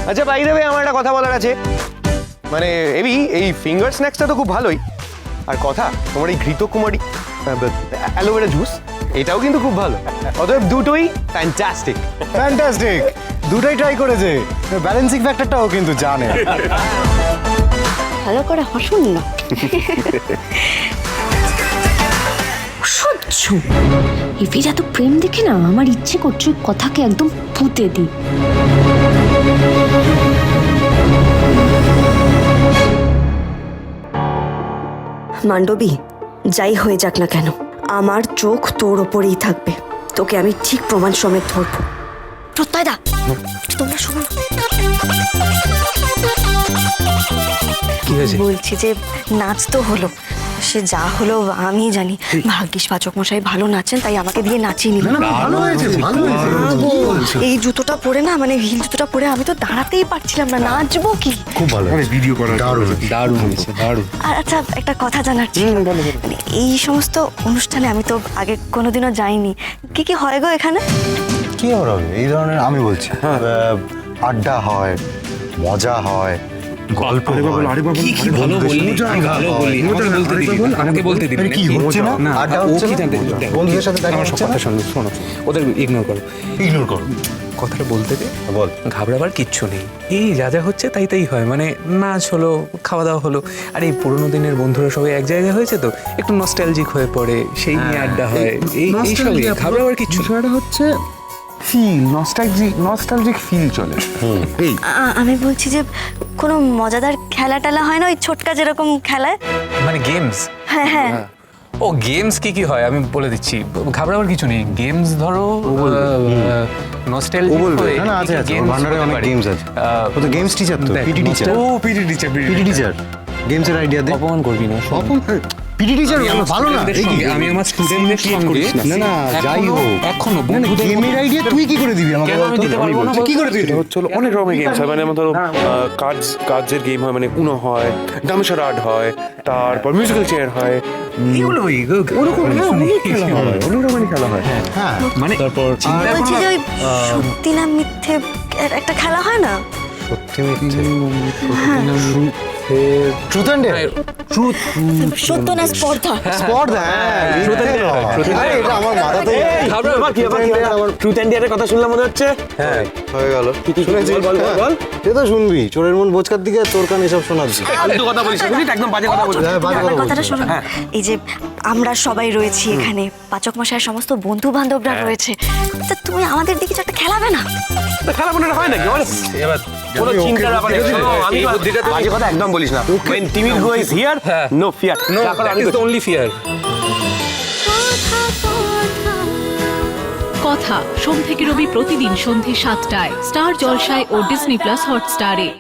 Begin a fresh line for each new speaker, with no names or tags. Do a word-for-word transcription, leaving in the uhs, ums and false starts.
আচ্ছা by the way আমার একটা কথা বলার আছে, মানে এবি এই ফিঙ্গার স্ন্যাক্সটা তো খুব ভালোই, আর কথা তোমার এই ঘৃত কুমারী অ্যালোভেরা জুস এটাও কিন্তু খুব ভালো, অতএব দুটোই ফ্যান্টাস্টিক।
ফ্যান্টাস্টিক, দুটোই ট্রাই করেছে, ব্যালেন্সিং ফ্যাক্টরটাও কিন্তু জানে।
ভালো করে হাসুন না। অসহ্য, এভির এত প্রেম দেখে না আমার ইচ্ছে করছে ওই কথাকে একদম পুঁতে দিই।
মান্ডবী, যাই হয়ে যাক না কেন আমার চোখ তোর ওপরেই থাকবে, তোকে আমি ঠিক প্রমাণ সমেত ধরবো। প্রত্যয় দা, তোমরা শোনো।
কি হয়েছে?
বলছি যে নাচ তো হলো, সে যা হলো আমি জানি, ভাগ্যিস পাচক মশাই ভালো নাচেন তাই আমাকে দিয়ে নাচিয়ে নিল।
ভালো হয়েছে, ভালো হয়েছে।
এই জুতোটা পরে না, মানে হিল জুতোটা পরে আমি তো দাঁড়াতেই পারছিলাম না, নাচবো কি।
খুব ভালো, ভিডিও করা দারুণ
দারুণ হয়েছে, দারুণ।
আর আচ্ছা একটা কথা জানার ছিল, মানে এই সমস্ত অনুষ্ঠানে আমি তো আগে কোনোদিনও যাইনি, কি কি হয় গো এখানে?
কি হবে এই ধরনের, আমি বলছি আড্ডা হয়, মজা হয়, গল্প হয়।
কি কি ভালো বললি, কি ভালো বললি, আমাকে বলতে দিবি না, আমাকে বলতে দিবি
কি হচ্ছে না?
না
আড্ডা
ও
হচ্ছে
কি
না?
জানতে,
বন্ধুদের সাথে দেখা
আমার সব
হচ্ছে
কথা
না?
শোনো, শোনো, ওদের ইগনোর করো,
ইগনোর করো,
কথাটা বলতে দে।
বল।
ঘাবড়াবার কিচ্ছু নেই, এই যা যা হচ্ছে তাই তাই হয়, মানে নাচ হলো, খাওয়া দাওয়া হলো, আর এই পুরোনো দিনের বন্ধুরা সবাই এক জায়গায় হয়েছে তো একটু নস্টালজিক হয়ে পড়ে, সেই নিয়ে আড্ডা হয়, এই এই সবই, ঘাবড়াবার কিচ্ছু না।
বিষয়টা হচ্ছে ফিল, নস্টালজিক নস্টালজিক ফিল চলে। এই
আ- আমি বলছি যে কোনো মজাদার খেলা টেলা হয় না, ওই ছোটকা যেরকম খেলায়?
মানে গেমস,
হ্যাঁ হ্যাঁ,
ও গেমস কি কি হয় আমি বলে দিচ্ছি, ঘাবড়াবার কিছু নেই। গেমস ধরো নস্টালজিক হয়ে
না, না, আছে, আছে, ওর ভান্ডারে অনেক games আছে। ও তো games teacher তো,
দেখ,
P T teacher।
nostal-
ও পিটি টিচার,
পিটি টিচার, গেমসের আইডিয়া দে।
অপমান করবি না, শোন।
পিটি টিচার
আমি আমার
ভালো না,
studentদের
এই কি?
সঙ্গে- আমি আমার স্টুডেন্টদের সঙ্গে
না না, যাই
এখনো-
হোক,
এখনো
না, না,
বন্ধুদের
গেমের
মতো-
আইডিয়া তুই কি করে দিবি আমাকে?
কেন আমি
বল তো?
দিতে পারবো না,
বলছি, কি করে দিবি?
হচ্ছে হলো অনেক রকমের গেমস হয়, মানে ধরো কার্ডস কার্ডসের গেম হয়, মানে উনো হয়, ডামশারাড হয়, তারপর মিউজিক্যাল চেয়ার হয়,
এগুলোই
ওরকম না, অনেক খেলা হয়, অনেক রকমের খেলা হয়।
হ্যাঁ,
মানে তারপর
বলছি যে ওই সত্যি না মিথ্যে এর একটা খেলা হয় না?
সত্যি মিথ্যে,
ট্রুথ অ্যান্ড ডেয়ার,
ট্রুথ,
সত্য না স্পর্ধা?
স্পর্ধা, হ্যাঁ,
Truth and Dare, Truth and
আরে,
Dare।
এটা আমার মাথাতেই
ট্রুথ অ্যান্ড ডেয়ারের কথা শুনলাম মনে হচ্ছে।
হ্যাঁ হয়ে গেল।
শুনেছিস? বল, বল, বল।
সে তো শুনবি, চোরের মন বোচকার দিকে তোর কান এসব শোনাচ্ছি।
ফালতু কথা বলিস না, বুঝলি তো, একদম বাজে কথা বলছিস।
হ্যাঁ, বাজে
আমার
কথা
কথাটা
বলছিস।
শোনো না, এই যে আমরা সবাই রয়েছি এখানে, পাচক মশাইয়ের সমস্ত বন্ধু বান্ধবরা রয়েছে, তা তুমি আমাদের দিকে কিছু একটা খেলাবে না?
তা খেলা মনে হয় নাকি বল?
এবার
কোনো চিন্তার ব্যাপার নেই। শোনো, আমি
এই বুদ্ধিটা তুমি-
বাজে কথা একদম বলিস না। When timid go is here,
হ্যাঁ।
no fear।
নো
তারপর
দ্যাট
আমি
ইজ
তো-
দ্য অনলি ফিয়ার।
কথা সোম থেকে রবি প্রতিদিন সন্ধে সাতটায় স্টার জলসায় ও ডিজনি প্লাস হটস্টারে।